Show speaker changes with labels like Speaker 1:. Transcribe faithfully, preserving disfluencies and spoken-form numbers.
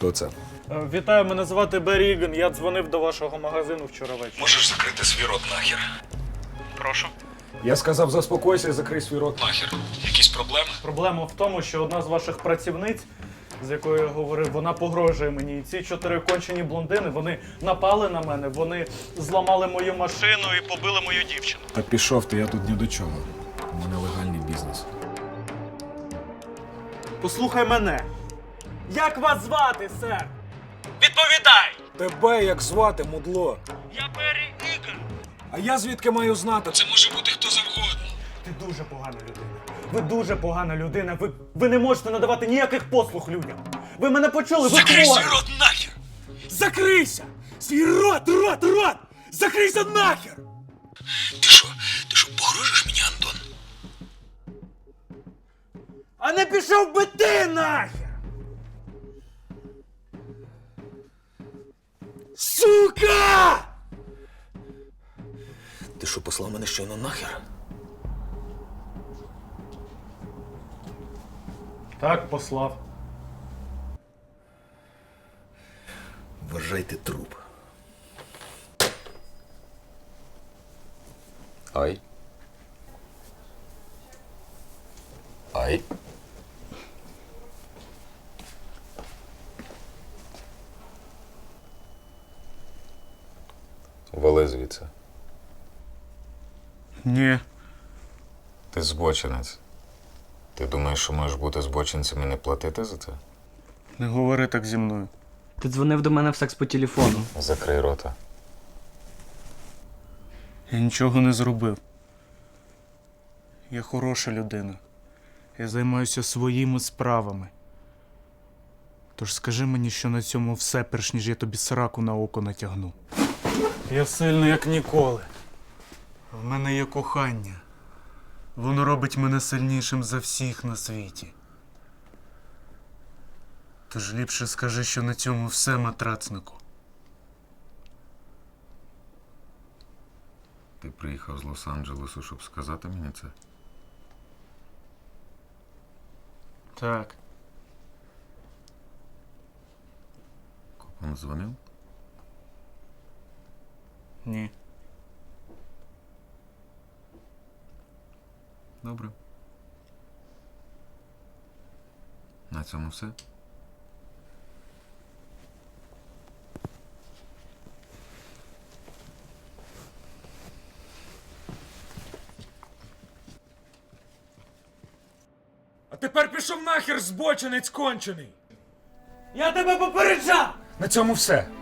Speaker 1: Хто це?
Speaker 2: Е, Вітаю, мене звати Беррі Іган. Я дзвонив до вашого магазину вчора ввечері.
Speaker 3: Можеш закрити свій рот нахер?
Speaker 2: Прошу.
Speaker 1: Я сказав, заспокойся і закрий свій рот.
Speaker 3: Нахер. Якісь проблеми?
Speaker 2: Проблема в тому, що одна з ваших працівниць, з якою я говорив, вона погрожує мені. І ці чотири кончені блондини, вони напали на мене, вони зламали мою машину і побили мою дівчину.
Speaker 1: Та пішов ти, я тут ні до чого. У мене легальний бізнес.
Speaker 2: Послухай мене. Як вас звати, сер? Відповідай!
Speaker 1: Тебе як звати, мудло?
Speaker 2: Я Беррі Іган.
Speaker 1: А я звідки маю знати?
Speaker 3: Це може бути хто завгодно.
Speaker 2: Ти дуже погана людина. Ви дуже погана людина. Ви, ви не можете надавати ніяких послуг людям. Ви мене почули, ви
Speaker 3: Закрий
Speaker 2: хворі.
Speaker 3: свій рот нахер!
Speaker 1: Закрийся! Свій рот, рот, рот! Закрийся нахер!
Speaker 3: Ти що? Ти що, погрожуєш мені, Антон?
Speaker 2: А не пішов би ти нахер!
Speaker 1: Сука!
Speaker 3: Ти що, послав мене щойно нахер?
Speaker 2: Так, послав.
Speaker 3: Вважайте труп. Ай. Ай.
Speaker 4: Вали звідси.
Speaker 2: Ні.
Speaker 4: Ти збочинець. Ти думаєш, що можеш бути збочинцем і не платити за це?
Speaker 2: Не говори так зі мною.
Speaker 5: Ти дзвонив до мене в секс по телефону.
Speaker 4: Закрий рота.
Speaker 2: Я нічого не зробив. Я хороша людина. Я займаюся своїми справами. Тож скажи мені, що на цьому все, перш ніж я тобі сраку на око натягну. Я сильний, як ніколи. В мене є кохання. Воно робить мене сильнішим за всіх на світі. Тож ліпше скажи, що на цьому все, матрацнику.
Speaker 4: Ти приїхав з Лос-Анджелесу, щоб сказати мені це?
Speaker 2: Так.
Speaker 4: Копам дзвонив?
Speaker 2: Ні.
Speaker 4: Добре. На цьому все.
Speaker 1: А тепер пішов нахер, збочинець кончений!
Speaker 2: Я тебе попереджав!
Speaker 1: На цьому все.